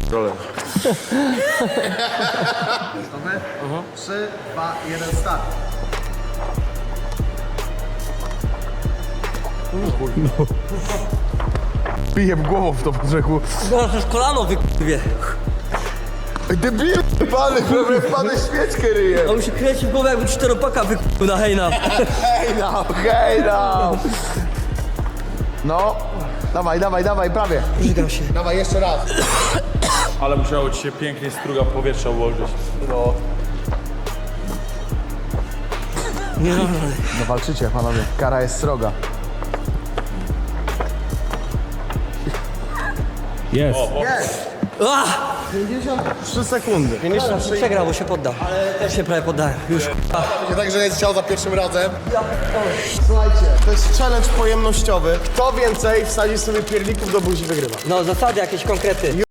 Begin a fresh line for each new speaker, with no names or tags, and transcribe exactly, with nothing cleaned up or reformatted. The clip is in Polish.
Rolę.
Gotowy? trzy, dwa, jeden, start.
Piję w głową w to po rzeku.
No, to jest kolano wykurwie.
Debil, pany, prawie wpadł świeczkę ryje.
On mi się kręci w głowę jakby czteropaka wykurwił na hejna.
Hej no, hej no. No, dawaj, dawaj, dawaj, prawie.
Żygam się.
Dawaj, jeszcze raz.
Ale musiało ci się pięknie struga powietrza ułożyć.
No.
Nie no,
No walczycie, panowie. Kara jest sroga.
Jest.
A!
pięćdziesiąt trzy sekundy. pięćdziesiąt trzy.
Przegrał, bo się poddał. Ale też się prawie poddałem. Już k***a.
Nie tak, że jest chciał za pierwszym razem. Słuchajcie, to jest challenge pojemnościowy. Kto więcej wsadzi sobie pierników do buzi, wygrywa.
No zasady, jakieś konkrety.